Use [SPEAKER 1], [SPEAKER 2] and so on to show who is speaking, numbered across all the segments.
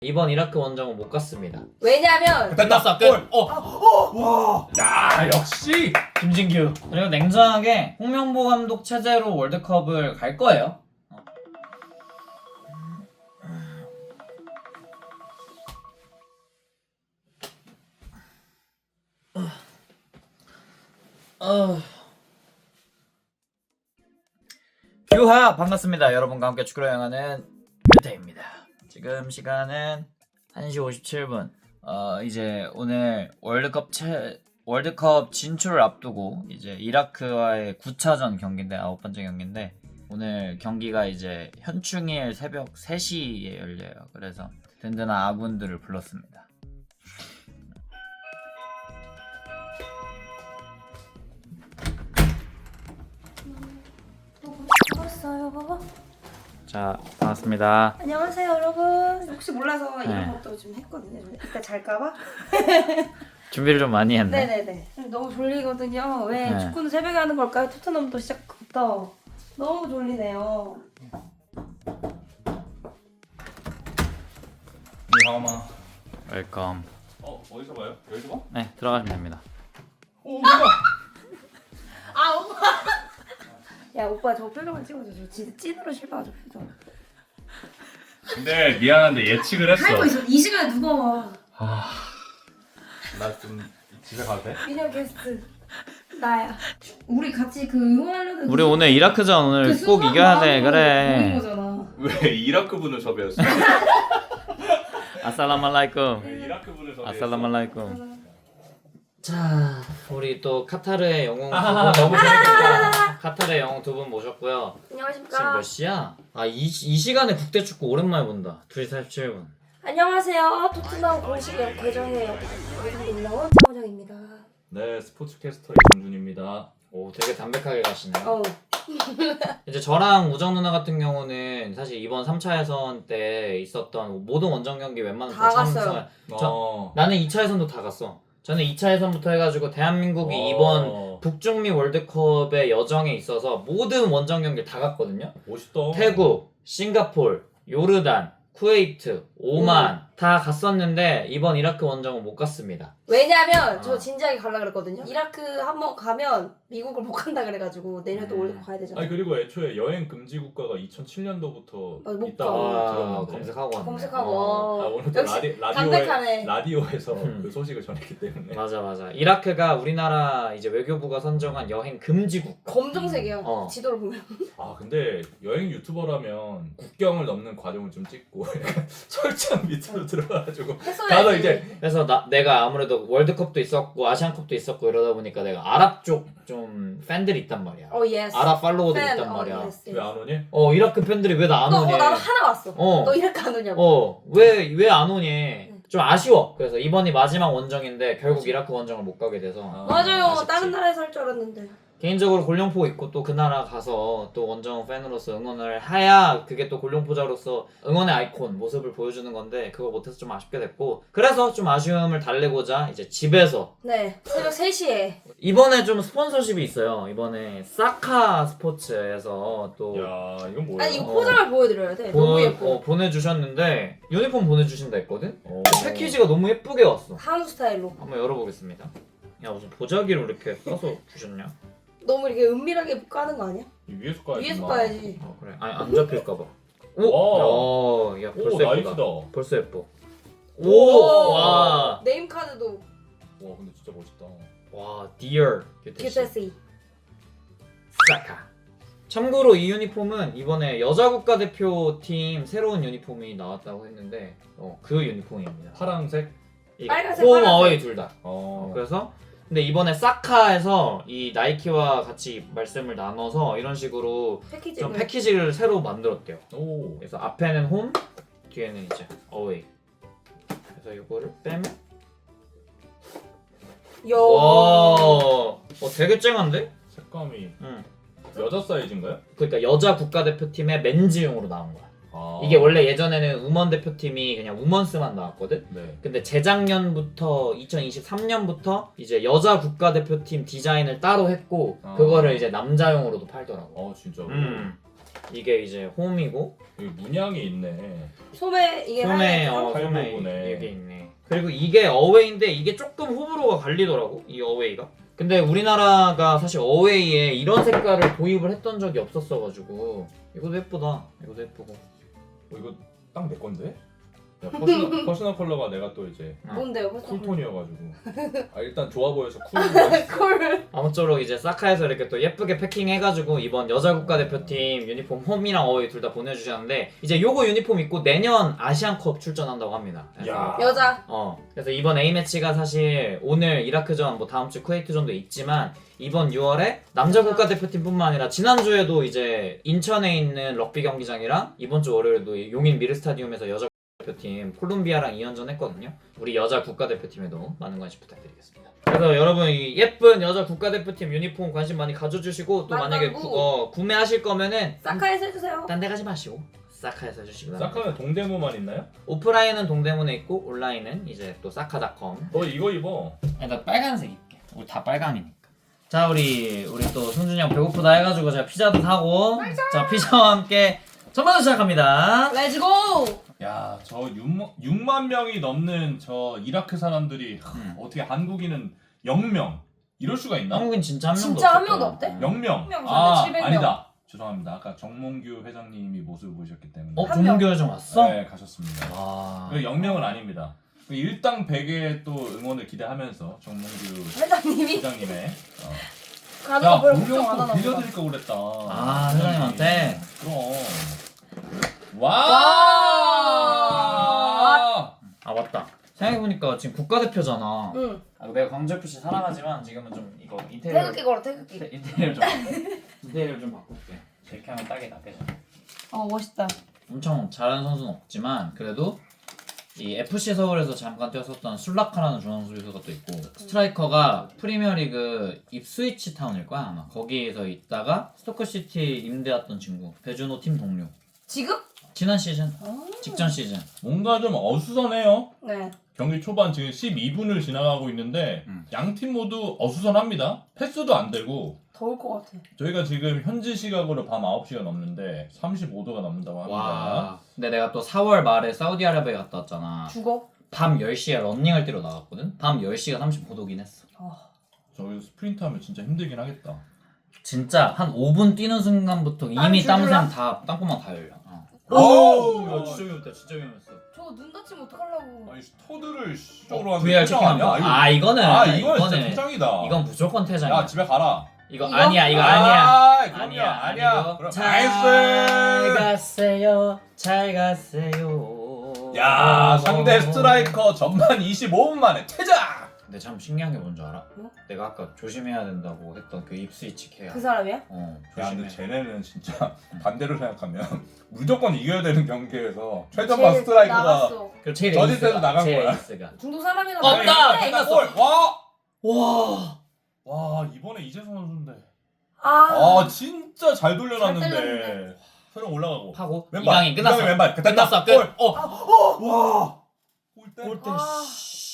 [SPEAKER 1] 이번 이라크 원정은 못 갔습니다.
[SPEAKER 2] 왜냐면
[SPEAKER 3] 끝났어 끝. 와. 야 역시
[SPEAKER 1] 김진규. 그리고 냉정하게 홍명보 감독 체제로 월드컵을 갈 거예요. 규하 반갑습니다. 여러분과 함께 축구를 향하는 규태입니다. 지금 시간은 1시 57분. 이제 오늘 월드컵 진출을 앞두고 이제 이라크와의 9차전 경기인데 9번째 경기인데 오늘 경기가 이제 현충일 새벽 3시에 열려요. 그래서 든든한 아군들을 불렀습니다.
[SPEAKER 2] 반갑어요.
[SPEAKER 1] 자, 반갑습니다.
[SPEAKER 2] 안녕하세요 여러분. 혹시 몰라서
[SPEAKER 1] 네.
[SPEAKER 2] 이런 것도 좀 했거든요. 이따 잘까봐.
[SPEAKER 1] 준비를 좀 많이 했네.
[SPEAKER 2] 네네네. 너무 졸리거든요. 왜
[SPEAKER 1] 네.
[SPEAKER 2] 축구는 새벽에 하는 걸까요? 토트넘도 시작부터 너무 졸리네요.
[SPEAKER 3] 니하마.
[SPEAKER 1] 웰컴.
[SPEAKER 3] 어디서 봐요? 여기서 봐?
[SPEAKER 1] 네, 들어가시면 됩니다.
[SPEAKER 3] 오 뭐야?
[SPEAKER 2] 아 오빠. 야 오빠 저 표정을 찍어줘. 저 진짜 찐으로 실망하죠 표정.
[SPEAKER 3] 근데 미안한데 예측을 했어.
[SPEAKER 2] 할거 있어. 이 시간에 누가 와?
[SPEAKER 3] 나 좀 집에 가도 돼?
[SPEAKER 2] 미녀 게스트 나야. 우리 같이 그 응원하려는.
[SPEAKER 1] 우리 오늘 이라크전 오늘 꼭 이겨야 돼. 그래.
[SPEAKER 2] 거잖아.
[SPEAKER 3] 왜 이라크 분을 섭외했어?
[SPEAKER 1] 아살라말라이쿰.
[SPEAKER 3] 왜 이라크 분을 섭외했어?
[SPEAKER 1] 아살라말라이쿰. 자, 우리 또 카타르의 영웅
[SPEAKER 3] 아하하,
[SPEAKER 1] 너무 재밌겠다. 카타르의 영웅 두 분 모셨고요. 지금
[SPEAKER 2] 안녕하십니까.
[SPEAKER 1] 몇 시야? 이 시간에 국대 축구 오랜만에 본다. 2시 47분.
[SPEAKER 2] 안녕하세요. 토트넘 공식 계정에 여기서 올라온 차원정입니다.
[SPEAKER 3] 네 스포츠캐스터 이동준입니다.
[SPEAKER 1] 오, 되게 담백하게 가시네요.
[SPEAKER 2] 어.
[SPEAKER 1] 이제 저랑 우정 누나 같은 경우는 사실 이번 3차 예선 때 있었던 모든 원정 경기 웬만한
[SPEAKER 2] 다 갔어요.
[SPEAKER 1] 나는 2차 예선도 다 갔어. 저는 2차 예선부터 해가지고 대한민국이 이번 북중미 월드컵의 여정에 있어서 모든 원정 경기 다 갔거든요.
[SPEAKER 3] 멋있다.
[SPEAKER 1] 태국, 싱가폴, 요르단, 쿠웨이트, 오만 다 갔었는데 이번 이라크 원정은 못 갔습니다.
[SPEAKER 2] 왜냐면 저 진지하게 가려고 그랬거든요. 이라크 한번 가면 미국을 못 간다 그래가지고 내년도 월드컵 가야 되잖아.
[SPEAKER 3] 아니 그리고 애초에 여행 금지 국가가 2007년도부터
[SPEAKER 2] 못
[SPEAKER 3] 있다고
[SPEAKER 2] 가.
[SPEAKER 3] 들었는데.
[SPEAKER 1] 검색하고 왔네.
[SPEAKER 2] 검색하고.
[SPEAKER 3] 오늘 또
[SPEAKER 2] 역시 담백하네.
[SPEAKER 3] 라디오에서 그 소식을 전했기 때문에.
[SPEAKER 1] 맞아. 이라크가 우리나라 이제 외교부가 선정한 여행 금지 국가.
[SPEAKER 2] 검정색이야. 지도를 보면.
[SPEAKER 3] 아 근데 여행 유튜버라면 국경을 넘는 과정을 좀 찍고 약간 설정 밑으로 들어가가지고 가서 이제
[SPEAKER 1] 그래서 내가 아무래도 월드컵도 있었고 아시안컵도 있었고 이러다 보니까 내가 아랍 쪽 좀 팬들이 있단 말이야.
[SPEAKER 2] 예스.
[SPEAKER 1] 아랍 팔로워들이 있단 말이야.
[SPEAKER 2] 예스.
[SPEAKER 3] 왜 안 오니?
[SPEAKER 1] 이라크 팬들이 왜 나 안 오니?
[SPEAKER 2] 나도 하나 왔어. 너 이라크 안 오냐고.
[SPEAKER 1] 왜 안 오니? 좀 아쉬워. 그래서 이번이 마지막 원정인데 결국 이라크 원정을 못 가게 돼서
[SPEAKER 2] 맞아요.
[SPEAKER 1] 아쉽지.
[SPEAKER 2] 다른 나라에서 할 줄 알았는데.
[SPEAKER 1] 개인적으로 골룡포 있고 또 그 나라 가서 또 원정 팬으로서 응원을 해야 그게 또 골룡포자로서 응원의 아이콘 모습을 보여주는 건데 그거 못해서 좀 아쉽게 됐고 그래서 좀 아쉬움을 달래고자 이제 집에서
[SPEAKER 2] 네. 새벽 3시에.
[SPEAKER 1] 이번에 좀 스폰서십이 있어요. 이번에 사카 스포츠에서 또
[SPEAKER 3] 야 이건 뭐야?
[SPEAKER 2] 아니 이거 포장을 보여드려야 돼. 너무 예뻐.
[SPEAKER 1] 보내주셨는데 유니폼 보내주신다 했거든?
[SPEAKER 3] 어.
[SPEAKER 1] 패키지가 너무 예쁘게 왔어.
[SPEAKER 2] 한우 스타일로.
[SPEAKER 1] 한번 열어보겠습니다. 야 무슨 보자기를 이렇게 써서 주셨냐?
[SPEAKER 2] 너무 이렇게 은밀하게 까는 거 아니야?
[SPEAKER 3] 위에서 까야지.
[SPEAKER 2] 위에서 까야지.
[SPEAKER 1] 그래. 아니 안 잡힐까봐. 야
[SPEAKER 3] 오
[SPEAKER 1] 벌써 예쁘다.
[SPEAKER 3] 나이스다.
[SPEAKER 1] 벌써 예뻐.
[SPEAKER 2] 오!
[SPEAKER 1] 와.
[SPEAKER 2] 네임카드도
[SPEAKER 3] 와 근데 진짜 멋있다.
[SPEAKER 1] 와, Dear 규태씨.
[SPEAKER 2] 규태씨.
[SPEAKER 1] 사카. 참고로 이 유니폼은 이번에 여자 국가대표팀 새로운 유니폼이 나왔다고 했는데 그 유니폼입니다.
[SPEAKER 3] 파란색.
[SPEAKER 2] 빨간색,
[SPEAKER 1] 홈
[SPEAKER 2] 파란색.
[SPEAKER 1] 어웨이 둘 다.
[SPEAKER 3] 어.
[SPEAKER 1] 그래서 근데 이번에 사카에서 이 나이키와 같이 말씀을 나눠서 이런 식으로
[SPEAKER 2] 패키지.
[SPEAKER 1] 좀 패키지를 새로 만들었대요.
[SPEAKER 3] 오.
[SPEAKER 1] 그래서 앞에는 홈, 뒤에는 이제 어웨이. 그래서 이거를 빼면 와, 되게 쨍한데?
[SPEAKER 3] 색감이
[SPEAKER 1] 응.
[SPEAKER 3] 여자 사이즈인가요?
[SPEAKER 1] 그러니까 여자 국가대표팀의 맨즈용으로 나온 거야.
[SPEAKER 3] 아.
[SPEAKER 1] 이게 원래 예전에는 우먼 대표팀이 그냥 우먼스만 나왔거든?
[SPEAKER 3] 네.
[SPEAKER 1] 근데 재작년부터 2023년부터 이제 여자 국가대표팀 디자인을 따로 했고 그거를 이제 남자용으로도 팔더라고.
[SPEAKER 3] 진짜로.
[SPEAKER 1] 이게 이제 홈이고
[SPEAKER 3] 여기 문양이 있네.
[SPEAKER 2] 소매 이게
[SPEAKER 1] 홈에
[SPEAKER 2] 하얀
[SPEAKER 3] 홈에
[SPEAKER 1] 홈에 이게 있네. 그리고 이게 어웨이인데 이게 조금 호불호가 갈리더라고 이 어웨이가. 근데 우리나라가 사실 어웨이에 이런 색깔을 도입을 했던 적이 없었어가지고 이것도 예쁘다. 이것도 예쁘고.
[SPEAKER 3] 이거 딱 내 건데? 야, 퍼스널 컬러가 내가 또 이제
[SPEAKER 2] 뭔데요? 벌써
[SPEAKER 3] 쿨톤이어가지고 일단 좋아 보여서
[SPEAKER 2] 콜.
[SPEAKER 1] 아무쪼록 이제 사카에서 이렇게 또 예쁘게 패킹해가지고 이번 여자 국가대표팀 유니폼 홈이랑 어웨이 둘 다 보내주셨는데 이제 요거 유니폼 입고 내년 아시안컵 출전한다고 합니다. 그래서
[SPEAKER 3] 야.
[SPEAKER 2] 여자.
[SPEAKER 1] 그래서 이번 A매치가 사실 오늘 이라크전 뭐 다음 주 쿠웨이트전도 있지만 이번 6월에 남자 국가대표팀뿐만 아니라 지난주에도 이제 인천에 있는 럭비 경기장이랑 이번 주 월요일도 용인 미르스타디움에서 여자 대표팀 콜롬비아랑 2연전 했거든요. 우리 여자 국가대표팀에도 많은 관심 부탁드리겠습니다. 그래서 여러분 이 예쁜 여자 국가대표팀 유니폼 관심 많이 가져주시고 또 만약에 구매하실 거면은
[SPEAKER 2] 사카에서 해주세요.
[SPEAKER 1] 딴 데 가지 마시고 사카에서 해주시기 바랍니다.
[SPEAKER 3] 사카는 동대문만 있나요?
[SPEAKER 1] 오프라인은 동대문에 있고 온라인은 이제 또 사카닷컴.
[SPEAKER 3] 너 이거 입어.
[SPEAKER 1] 아니 나 빨간색 입게. 우리 다 빨강이니까. 자 우리 또 승준이 형 배고프다 해가지고 제가 피자도 사고 자 피자와 함께 전반전 시작합니다.
[SPEAKER 2] 렛츠고.
[SPEAKER 3] 야, 저 6만 명이 넘는 저 이라크 사람들이 어떻게 한국인은 0명 이럴 수가 있나?
[SPEAKER 1] 한국인 진짜 한 명도
[SPEAKER 2] 진짜 한
[SPEAKER 1] 없을
[SPEAKER 2] 명도
[SPEAKER 1] 거야.
[SPEAKER 2] 없대?
[SPEAKER 3] 0명.
[SPEAKER 2] 명
[SPEAKER 3] 아,
[SPEAKER 2] 700명.
[SPEAKER 3] 아니다. 죄송합니다. 아까 정몽규 회장님이 모습을 보셨기 때문에.
[SPEAKER 2] 한 명.
[SPEAKER 1] 정문교 좀 왔어?
[SPEAKER 3] 네, 가셨습니다.
[SPEAKER 1] 와.
[SPEAKER 3] 0명은 아닙니다. 일당 100의 또 응원을 기대하면서 정몽규
[SPEAKER 2] 회장님이
[SPEAKER 3] 회장님의
[SPEAKER 2] 가져가 별로 걱정
[SPEAKER 3] 공룡
[SPEAKER 2] 안
[SPEAKER 3] 또
[SPEAKER 2] 하나 보다.
[SPEAKER 3] 빌려드릴까 그랬다.
[SPEAKER 1] 아, 회장님한테?
[SPEAKER 3] 그럼. 와!
[SPEAKER 1] 아 맞다. 생각해보니까 지금 국가대표잖아.
[SPEAKER 2] 응.
[SPEAKER 1] 내가 광주FC 사랑하지만 지금은 좀 이거 인테리어
[SPEAKER 2] 태극기 걸어 태극기.
[SPEAKER 1] 인테리어 좀 바꿀게. 이렇게 하면 딱이다. 그죠?
[SPEAKER 2] 멋있다.
[SPEAKER 1] 엄청 잘하는 선수는 없지만 그래도 이 FC 서울에서 잠깐 뛰었었던 술라카라는 중앙 수비수가 또 있고 스트라이커가 프리미어리그 입스위치 타운일 거야 아마. 거기에서 있다가 스토크시티 임대 왔던 친구. 배준호 팀 동료.
[SPEAKER 2] 지금?
[SPEAKER 1] 지난 시즌, 직전 시즌.
[SPEAKER 3] 뭔가 좀 어수선해요.
[SPEAKER 2] 네.
[SPEAKER 3] 경기 초반 지금 12분을 지나가고 있는데 양 팀 모두 어수선합니다. 패스도 안 되고
[SPEAKER 2] 더울 것 같아.
[SPEAKER 3] 저희가 지금 현지 시각으로 밤 9시가 넘는데 35도가 넘는다고 합니다.
[SPEAKER 1] 와. 근데 내가 또 4월 말에 사우디아라비아 갔다 왔잖아.
[SPEAKER 2] 죽어?
[SPEAKER 1] 밤 10시에 런닝을 뛰러 나갔거든? 밤 10시가 35도긴 했어.
[SPEAKER 3] 저기서 스프린트 하면 진짜 힘들긴 하겠다.
[SPEAKER 1] 진짜 한 5분 뛰는 순간부터 이미 땀샘 다 땅구멍 다 열려.
[SPEAKER 3] 오!
[SPEAKER 1] 야 진짜 위험했다. 진짜 위험했어.
[SPEAKER 2] 저거 눈 다치면 어떡하려고.
[SPEAKER 3] 아니 스토드를 쪽으로 하는
[SPEAKER 1] VR 체킹한 거. 아 이거는
[SPEAKER 3] 이거는 진짜 퇴장이다.
[SPEAKER 1] 이건 무조건 퇴장이야.
[SPEAKER 3] 야 집에 가라.
[SPEAKER 1] 이거
[SPEAKER 2] 이거?
[SPEAKER 1] 아니야. 이거 아니야.
[SPEAKER 3] 그럼요. 아니야. 그럼
[SPEAKER 1] 잘
[SPEAKER 3] 나이스.
[SPEAKER 1] 가세요. 잘 가세요.
[SPEAKER 3] 야 상대 스트라이커 전반 25분 만에 퇴장.
[SPEAKER 1] 근데 참 신기한 게 뭔지 알아?
[SPEAKER 2] 뭐?
[SPEAKER 1] 내가 아까 조심해야 된다고 했던 그 입스위치 케어.
[SPEAKER 2] 그 사람이야?
[SPEAKER 3] 야
[SPEAKER 1] 조심해.
[SPEAKER 3] 근데 쟤네는 진짜 반대로 생각하면 무조건 이겨야 되는 경기에서 최전방 스트라이커가
[SPEAKER 2] 나갔어.
[SPEAKER 1] 그 제일
[SPEAKER 3] 저질
[SPEAKER 1] 에이스가,
[SPEAKER 3] 때도 나간
[SPEAKER 1] 제일
[SPEAKER 3] 거야.
[SPEAKER 1] 에이스가.
[SPEAKER 2] 중동 사람이랑
[SPEAKER 1] 없다!
[SPEAKER 2] 나갔는데
[SPEAKER 1] 끝났어.
[SPEAKER 3] 골! 와!
[SPEAKER 1] 와.
[SPEAKER 3] 와 이번에 이재성 선수인데
[SPEAKER 2] 아,
[SPEAKER 3] 진짜 잘
[SPEAKER 2] 잘
[SPEAKER 3] 돌려놨는데
[SPEAKER 2] 때렸는데.
[SPEAKER 3] 서령 올라가고
[SPEAKER 1] 하고
[SPEAKER 3] 왼발
[SPEAKER 1] 이강인 끝났어.
[SPEAKER 3] 이강인 왼발
[SPEAKER 1] 끝났어. 끝.
[SPEAKER 3] 골! 와! 골대?
[SPEAKER 1] 골대.
[SPEAKER 2] 아.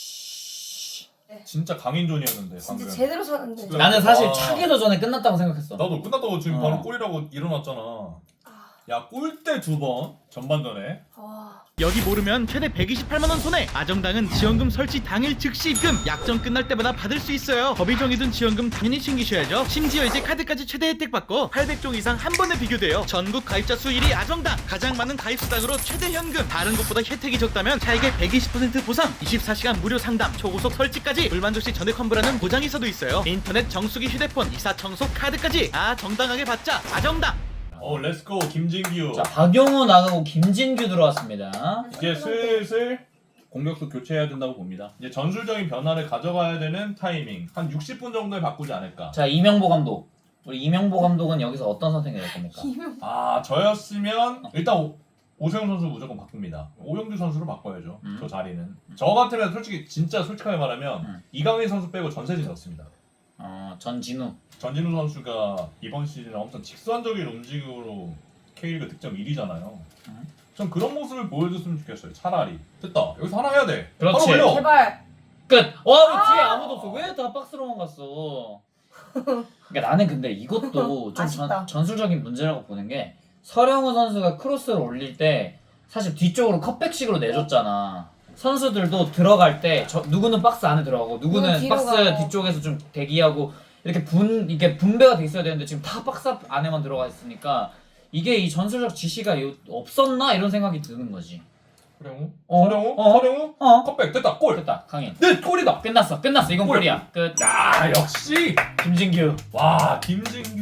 [SPEAKER 3] 진짜 강인존이었는데
[SPEAKER 2] 진짜
[SPEAKER 3] 방금
[SPEAKER 2] 제대로 쳤는데.
[SPEAKER 1] 나는 사실
[SPEAKER 3] 와.
[SPEAKER 1] 차기도 전에 끝났다고 생각했어.
[SPEAKER 3] 나도 끝났다고 지금
[SPEAKER 1] 어.
[SPEAKER 3] 바로 골이라고 일어났잖아. 야 골대 2번 전반전에
[SPEAKER 2] 와.
[SPEAKER 4] 여기 모르면 최대 128만 원 손해. 아정당은 지원금 설치 당일 즉시 입금. 약정 끝날 때마다 받을 수 있어요. 법이 정해둔 지원금 당연히 챙기셔야죠. 심지어 이제 카드까지 최대 혜택 받고 800종 이상 한 번에 비교돼요. 전국 가입자 수 1위 아정당. 가장 많은 가입 수당으로 최대 현금. 다른 곳보다 혜택이 적다면 차액의 120% 보상. 24시간 무료 상담. 초고속 설치까지. 불만족 시 전액 환불하는 보장이서도 있어요. 인터넷 정수기 휴대폰 이사 청소 카드까지. 정당하게 받자. 아정당.
[SPEAKER 3] 렛츠고 김진규.
[SPEAKER 1] 자, 박용호 나가고 김진규 들어왔습니다.
[SPEAKER 3] 이제 슬슬 공격수 교체해야 된다고 봅니다. 이제 전술적인 변화를 가져가야 되는 타이밍 한 60분 정도에 바꾸지 않을까.
[SPEAKER 1] 자, 이명보 감독. 우리 이명보 감독은 여기서 어떤 선택이 될 겁니까?
[SPEAKER 3] 저였으면 일단 오세훈 선수 무조건 바꿉니다. 오영규 선수로 바꿔야죠. 저 자리는. 저 같으면 솔직히 진짜 솔직하게 말하면 이강인 선수 빼고 전세진 넣습니다.
[SPEAKER 1] 전진우.
[SPEAKER 3] 전진우 선수가 이번 시즌에 엄청 직선적인 움직임으로 K리그 득점 1위잖아요. 전 그런 모습을 보여줬으면 좋겠어요. 차라리. 됐다. 여기서 하나 해야 돼.
[SPEAKER 1] 그렇지.
[SPEAKER 3] 바로 올려.
[SPEAKER 2] 제발.
[SPEAKER 1] 끝! 와, 왜 뒤에 아무도 없어? 왜 다 박스로만 갔어? 그러니까 나는 근데 이것도 좀
[SPEAKER 2] 아쉽다.
[SPEAKER 1] 전술적인 문제라고 보는 게 서령우 선수가 크로스를 올릴 때 사실 뒤쪽으로 컵백식으로 내줬잖아. 선수들도 들어갈 때 누구는 박스 안에 들어가고 누구는
[SPEAKER 2] 뒤로
[SPEAKER 1] 박스
[SPEAKER 2] 가고.
[SPEAKER 1] 뒤쪽에서 좀 대기하고 이게 분배가 돼 있어야 되는데 지금 다 박스 안에만 들어가 있으니까 이게 이 전술적 지시가 없었나 이런 생각이 드는 거지.
[SPEAKER 3] 서령우?
[SPEAKER 1] 어?
[SPEAKER 3] 서령우?
[SPEAKER 1] 어?
[SPEAKER 3] 서령우?
[SPEAKER 1] 어?
[SPEAKER 3] 컵백 됐다 골!
[SPEAKER 1] 됐다 강인.
[SPEAKER 3] 네 골이다!
[SPEAKER 1] 끝났어 이건
[SPEAKER 3] 골.
[SPEAKER 1] 골이야. 끝.
[SPEAKER 3] 야 역시!
[SPEAKER 1] 김진규.
[SPEAKER 3] 와 김진규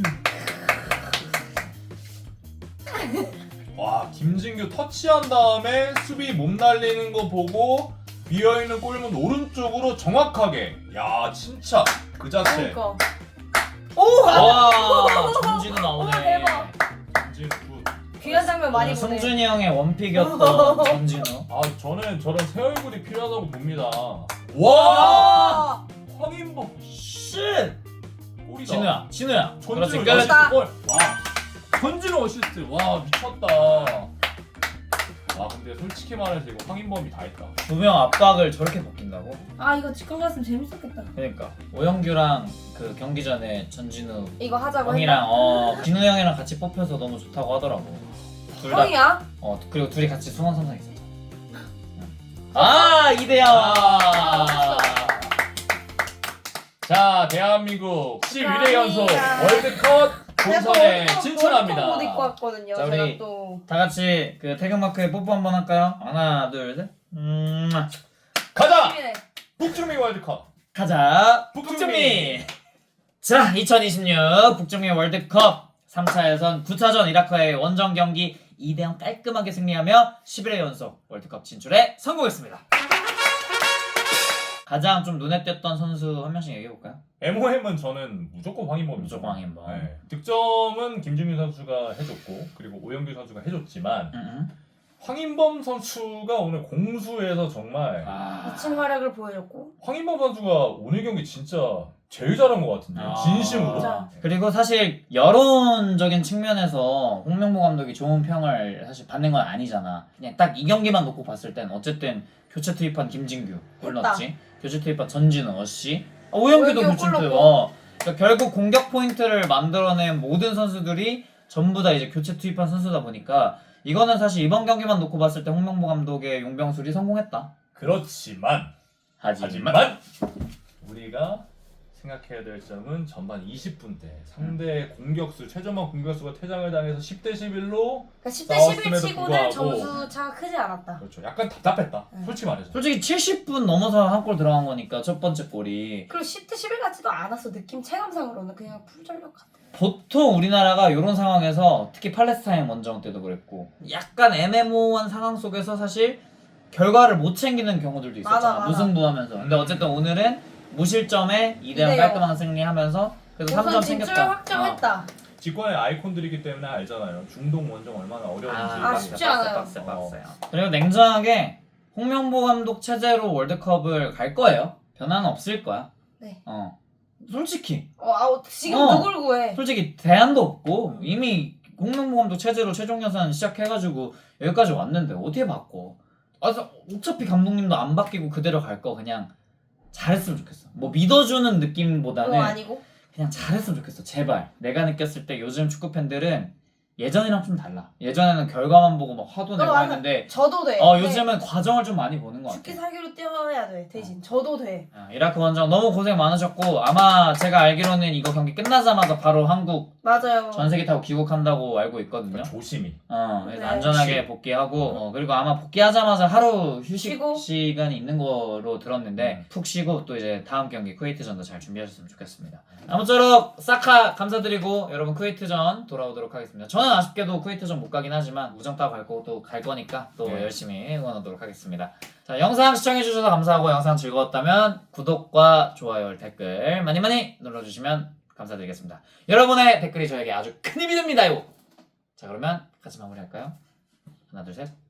[SPEAKER 3] 와 김진규 터치한 다음에 수비 몸 날리는 거 보고 비어있는 골문 오른쪽으로 정확하게 야 진짜 그 자체
[SPEAKER 2] 그러니까.
[SPEAKER 1] 와 전진우 나오네.
[SPEAKER 2] 대박.
[SPEAKER 3] 김진규
[SPEAKER 2] 귀한 장면 많이 보네.
[SPEAKER 1] 승준이 형의 원픽이었던 전진우.
[SPEAKER 3] 아 저는 저런 새 얼굴이 필요하다고 봅니다 와
[SPEAKER 2] 와.
[SPEAKER 3] 황인범
[SPEAKER 1] 쉣.
[SPEAKER 3] 골이다
[SPEAKER 1] 진우야. 그렇지
[SPEAKER 3] 전진우
[SPEAKER 1] 끝.
[SPEAKER 3] 어시스트 골! 와 전진우 어시스트 와 미쳤다 와 근데 솔직히 말해서 이거 황인범이 다 했다
[SPEAKER 1] 두 명 압박을 저렇게 벗긴다고?
[SPEAKER 2] 아 이거 직관 갔으면 재밌었겠다.
[SPEAKER 1] 그러니까 오영규랑 그 경기 전에 전진우
[SPEAKER 2] 이거 하자고
[SPEAKER 1] 형이랑 진우 형이랑 같이 뽑혀서 너무 좋다고 하더라고. 둘 다.
[SPEAKER 2] 형이야?
[SPEAKER 1] 그리고 둘이 같이 수원 삼성 있었잖아. 아 이대영.
[SPEAKER 3] 자 대한민국 11회 연속
[SPEAKER 2] 축하합니다.
[SPEAKER 3] 월드컵 본선에
[SPEAKER 2] 옷 입고
[SPEAKER 3] 진출합니다
[SPEAKER 2] 왔거든요.
[SPEAKER 1] 자,
[SPEAKER 2] 제가
[SPEAKER 1] 우리
[SPEAKER 2] 또
[SPEAKER 1] 다 같이 그 태극마크에 뽀뽀 한번 할까요? 하나 둘 셋.
[SPEAKER 3] 가자!
[SPEAKER 2] TV네.
[SPEAKER 3] 북중미 월드컵
[SPEAKER 1] 가자
[SPEAKER 3] 북중미.
[SPEAKER 1] 북중미. 자 2026 북중미 월드컵 3차 예선 9차전 이라크와의 원정 경기 2대0 깔끔하게 승리하며 11회 연속 월드컵 진출에 성공했습니다. 가장 좀 눈에 띄었던 선수 한 명씩 얘기해볼까요?
[SPEAKER 3] MOM은 저는 무조건 황인범이죠.
[SPEAKER 1] 무조건 황인범.
[SPEAKER 3] 네. 득점은 김준규 선수가 해줬고 그리고 오영규 선수가 해줬지만 황인범 선수가 오늘 공수에서 정말
[SPEAKER 2] 미친 활약을 보여줬고.
[SPEAKER 3] 황인범 선수가 오늘 경기 진짜 제일 잘한 것 같은데요. 진심으로.
[SPEAKER 2] 진짜.
[SPEAKER 1] 그리고 사실 여론적인 측면에서 홍명보 감독이 좋은 평을 사실 받는 건 아니잖아. 그냥 딱 이 경기만 놓고 봤을 땐 어쨌든 교체 투입한 김진규 골
[SPEAKER 2] 했다.
[SPEAKER 1] 넣었지. 교체 투입한 전진우, 어씨, 오영규도
[SPEAKER 2] 오영규
[SPEAKER 1] 교체
[SPEAKER 2] 골
[SPEAKER 1] 투입.
[SPEAKER 2] 넣고.
[SPEAKER 1] 그러니까 결국 공격 포인트를 만들어낸 모든 선수들이 전부 다 이제 교체 투입한 선수다 보니까 이거는 사실 이번 경기만 놓고 봤을 때 홍명보 감독의 용병술이 성공했다.
[SPEAKER 3] 그렇지만
[SPEAKER 1] 하지만
[SPEAKER 3] 우리가 생각해야 될 점은 전반 20분 때 상대 공격수 최전방 공격수가 퇴장을 당해서 10대 11로
[SPEAKER 2] 그러니까 10대 11
[SPEAKER 3] 싸웠음에도
[SPEAKER 2] 치고는
[SPEAKER 3] 불구하고.
[SPEAKER 2] 점수 차가 크지 않았다.
[SPEAKER 3] 그렇죠. 약간 답답했다.
[SPEAKER 2] 응.
[SPEAKER 3] 솔직히 말해서.
[SPEAKER 1] 솔직히 70분 넘어서 한 골 들어간 거니까 첫 번째 골이
[SPEAKER 2] 그리고 10대 11 같지도 않았어. 느낌 체감상으로는 그냥 풀전력 같아.
[SPEAKER 1] 보통 우리나라가 이런 상황에서 특히 팔레스타인 원정 때도 그랬고 약간 애매모호한 상황 속에서 사실 결과를 못 챙기는 경우들도 있었잖아.
[SPEAKER 2] 맞아.
[SPEAKER 1] 무승부하면서. 근데 어쨌든 오늘은 무실점에 2대0
[SPEAKER 2] 2대0.
[SPEAKER 1] 깔끔한 승리하면서 그래서 3점
[SPEAKER 2] 우선 진출
[SPEAKER 1] 챙겼다.
[SPEAKER 2] 확정했다.
[SPEAKER 3] 직관의 아이콘들이기 때문에 알잖아요. 중동 원정 얼마나 어려운지.
[SPEAKER 2] 쉽지 않아요.
[SPEAKER 1] 빡세요. 그리고 냉정하게 홍명보 감독 체제로 월드컵을 갈 거예요. 변화는 없을 거야.
[SPEAKER 2] 네.
[SPEAKER 1] 솔직히
[SPEAKER 2] 지금
[SPEAKER 1] 어.
[SPEAKER 2] 누굴 구해?
[SPEAKER 1] 솔직히 대안도 없고 이미 홍명보 감독 체제로 최종 예산 시작해가지고 여기까지 왔는데 어떻게 바꿔? 어차피 감독님도 안 바뀌고 그대로 갈 거 그냥 잘했으면 좋겠어. 뭐 믿어주는 느낌보다는
[SPEAKER 2] 그거 아니고?
[SPEAKER 1] 그냥 잘했으면 좋겠어. 제발. 내가 느꼈을 때 요즘 축구 팬들은 예전이랑 좀 달라. 예전에는 결과만 보고 막 화도 내고
[SPEAKER 2] 맞아.
[SPEAKER 1] 했는데
[SPEAKER 2] 저도 돼.
[SPEAKER 1] 요즘은 과정을 좀 많이 보는 것
[SPEAKER 2] 죽기
[SPEAKER 1] 같아.
[SPEAKER 2] 살기로 뛰어야 돼. 대신 저도 돼.
[SPEAKER 1] 이라크 원정 너무 고생 많으셨고 아마 제가 알기로는 이거 경기 끝나자마자 바로 한국
[SPEAKER 2] 맞아요.
[SPEAKER 1] 전세기 타고 귀국한다고 알고 있거든요.
[SPEAKER 3] 그러니까 조심히.
[SPEAKER 1] 그래서
[SPEAKER 2] 네.
[SPEAKER 1] 안전하게 복귀하고 그리고 아마 복귀하자마자 하루 휴식
[SPEAKER 2] 쉬고.
[SPEAKER 1] 시간이 있는 거로 들었는데 푹 쉬고 또 이제 다음 경기 쿠웨이트전도 잘 준비하셨으면 좋겠습니다. 아무쪼록 사카 감사드리고 여러분 쿠웨이트전 돌아오도록 하겠습니다. 저는 아쉽게도 쿠웨이트전 못 가긴 하지만 우정 따고 갈 거고 또 갈 거니까 또
[SPEAKER 3] 네.
[SPEAKER 1] 열심히 응원하도록 하겠습니다. 자, 영상 시청해주셔서 감사하고 영상 즐거웠다면 구독과 좋아요, 댓글 많이 많이 눌러주시면 감사드리겠습니다. 여러분의 댓글이 저에게 아주 큰 힘이 됩니다요. 자, 그러면 같이 마무리할까요? 하나, 둘, 셋.